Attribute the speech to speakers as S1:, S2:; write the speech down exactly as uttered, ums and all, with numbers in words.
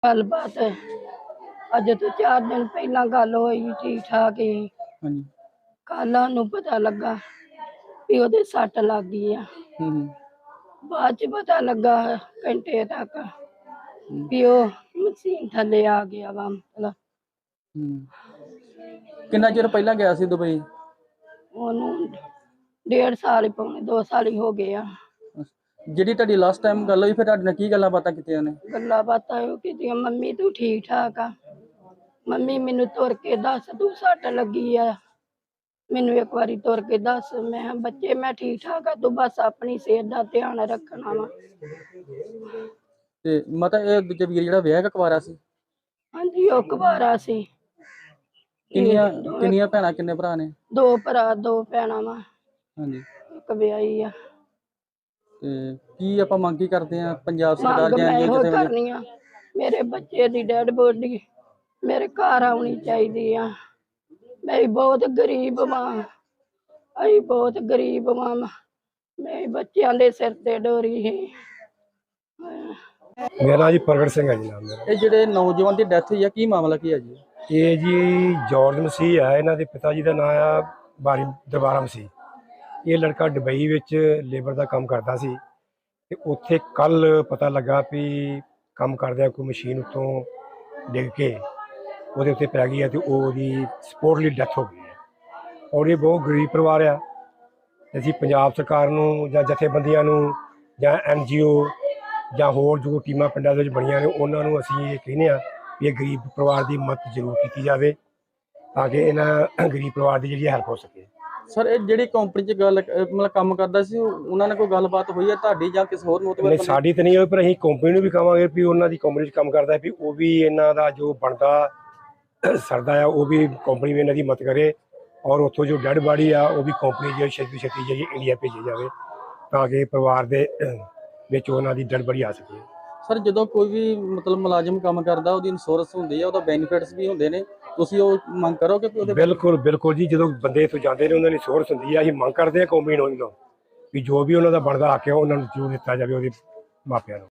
S1: गलबात अज तो चार दिन पहला गल होई ठीक ठाक ही।
S2: ਹਾਂਜੀ
S1: कल सानू पता लगा भी ओदे सट लग गई आ।
S2: ਹੂੰ ਹੂੰ
S1: बाद च पता लगा घंटे तक
S2: हम्म,
S1: भी ओ मशीन थले आ गया वा मतलब
S2: हम्म। किन्ना चिर पहला गया सी दुबई?
S1: ओनू डेढ़ साल पौने दो साल ही हो गए आ।
S2: ਜਿਹੜੀ ਤੁਹਾਡੀ ਲਾਸਟ ਟਾਈਮ ਗੱਲ ਹੋਈ ਫਿਰ ਤੁਹਾਡੇ ਨਾਲ ਕੀ ਗੱਲਾਂ ਬਾਤਾਂ ਕੀਤੀਆਂ ਨੇ?
S1: गल्लां बातां यो कीतियां मम्मी तू ठीक ठाक आ, मम्मी मैनू तुर के दस तू सट लगी आ, मैनू एक बारी तुर के दस। मैं किहा बच्चे मैं ठीक ठाक आ, तू बस अपनी सेहत दा ध्यान रखना वा।
S2: ਤੇ ਮਾਤਾ ਇਹ ਦੂਜਾ ਵੀਰ ਜਿਹੜਾ ਵਿਆਹ ਕਕਵਾਰਾ ਸੀ?
S1: हाँ जी ओ कुवारा सी।
S2: ਕਿੰਨੀਆਂ
S1: दो
S2: ਕਿੰਨੀਆਂ ਭੈਣਾਂ ਕਿੰਨੇ ਭਰਾ ਨੇ?
S1: दो भरा दो भैणां वा,
S2: ਹਾਂਜੀ
S1: एक विआही आ।
S2: ਤੇ ਕੀ ਆਪਾਂ ਮੰਗ ਕੀ ਕਰਦੇ ਆ ਪੰਜਾਬ ਸਰਕਾਰ
S1: ਮੰਗ
S2: ਜਾਂ
S1: मैं
S2: ਐਨਜੀਓ
S1: ਇਹੋ
S2: ਜਿੱਥੇ
S1: करनी आ मेरे बच्चे दी डेड बॉडी मेरे घर आउणी चाहीदी आ। मैं बहुत गरीब मां, अई बहुत गरीब मां, मैं बच्चों दे सिर ते डोरी ही।
S3: मेरा जी प्रगट सिंह है जी नाम मेरा।
S2: ਇਹ ਜਿਹੜੇ ਨੌਜਵਾਨ ਦੀ ਡੈਥ ਹੋਈ ਆ ਕੀ ਮਾਮਲਾ ਕੀ ਹੈ ਜੀ?
S3: ये जी जॉर्ज मसीह है, इन्हों के पिता जी का नाम आ बारी दरबारा मसीह। ये लड़का दुबई विच लेबर का काम करता सी ते उत्थे कल पता लगा भी काम करदे कोई मशीन उत्तों डिग के ਉਹਦੇ ਉੱਤੇ ਪੈ ਗਈ है तो ਉਹਦੀ ਸਪੋਰਟਲੀ ਡੈਥ ਹੋ ਗਈ है। और ये बहुत गरीब परिवार आ। ਅਸੀਂ ਪੰਜਾਬ ਸਰਕਾਰ ਨੂੰ ਜਾਂ ਜਥੇਬੰਦੀਆਂ ਨੂੰ ਜਾਂ ਐਨ ਜੀ ਓ ਜਾਂ ਹੋਰ ਜੋ ਟੀਮਾਂ ਪਿੰਡਾਂ ਦੇ ਵਿੱਚ ਬਣੀਆਂ ਨੇ ਉਹਨਾਂ ਨੂੰ ਅਸੀਂ ਇਹ ਕਹਿੰਦੇ ਆ ਵੀ ਇਹ ਗਰੀਬ ਪਰਿਵਾਰ ਦੀ ਮਦਦ ਜ਼ਰੂਰ ਕੀਤੀ ਜਾਵੇ ਤਾਂ ਕਿ ਇਹਨਾਂ ਗਰੀਬ ਪਰਿਵਾਰ ਦੀ ਜਿਹੜੀ ਹੈਲਪ ਹੋ ਸਕੇ।
S2: ਸਰ ਇਹ ਜਿਹੜੀ ਕੰਪਨੀ 'ਚ ਗੱਲ ਅਹ ਮਤਲਬ ਕੰਮ ਕਰਦਾ ਸੀ ਉਹਨਾਂ ਨਾਲ ਕੋਈ ਗੱਲਬਾਤ ਹੋਈ ਹੈ ਤੁਹਾਡੀ ਜਾਂ ਕਿਸੇ ਹੋਰ ਨੂੰ?
S3: ਨਹੀਂ ਸਾਡੀ ਤਾਂ ਨਹੀਂ ਹੋਈ, ਪਰ ਅਸੀਂ ਕੰਪਨੀ ਨੂੰ ਵੀ ਕਹਾਂਗੇ ਵੀ ਉਹਨਾਂ ਦੀ ਕੰਪਨੀ 'ਚ ਕੰਮ ਕਰਦਾ ਵੀ ਉਹ ਵੀ ਇਹਨਾਂ ਦਾ ਜੋ ਬਣਦਾ ਸਰਦਾ ਆ ਉਹ ਵੀ ਕੰਪਨੀ ਵੀ ਇਹਨਾਂ ਦੀ ਮਦਦ ਕਰੇ ਔਰ ਉੱਥੋਂ ਜੋ ਡੈਡ ਬਾਡੀ ਆ ਉਹ ਵੀ ਕੰਪਨੀ ਜਿਹੜੀ ਛੇਤੀ ਛੇਤੀ ਜਿਹੜੀ ਇੰਡੀਆ ਭੇਜੀ ਜਾਵੇ ਤਾਂ ਕਿ ਪਰਿਵਾਰ ਦੇ ਵਿੱਚ ਉਹਨਾਂ ਦੀ ਡੈਡ ਬਾਡੀ ਆ ਸਕੇ।
S2: ਸਰ ਜਦੋਂ ਕੋਈ ਵੀ ਮਤਲਬ ਮੁਲਾਜ਼ਮ ਕੰਮ ਕਰਦਾ ਉਹਦੀ ਇੰਸ਼ੋਰੈਂਸ ਹੁੰਦੀ ਹੈ, ਉਹਦਾ ਬੈਨੀਫਿਟਸ ਵੀ ਹੁੰਦੇ ਨੇ, ਤੁਸੀਂ ਉਹ ਮੰਗ ਕਰੋਗੇ ਕਿ ਉਹਦੇ?
S3: ਬਿਲਕੁਲ ਬਿਲकुल ਜੀ, ਜਦੋਂ ਬੰਦੇ ਇੱਥੋਂ ਜਾਂਦੇ ਨੇ ਉਹਨਾਂ ਦੀ ਇੰਸ਼ੋਰੈਂਸ ਹੁੰਦੀ ਆ। ਅਸੀਂ ਮੰਗ ਕਰਦੇ ਹਾਂ ਕੰਪਨੀ ਨੂੰ ਵੀ ਜੋ ਵੀ ਉਹਨਾਂ ਦਾ ਬਣਦਾ ਆ ਕੇ ਉਹਨਾਂ ਨੂੰ ਜ਼ਰੂਰ ਦਿੱਤਾ ਜਾਵੇ ਉਹਦੇ ਮਾਪਿਆਂ ਨੂੰ।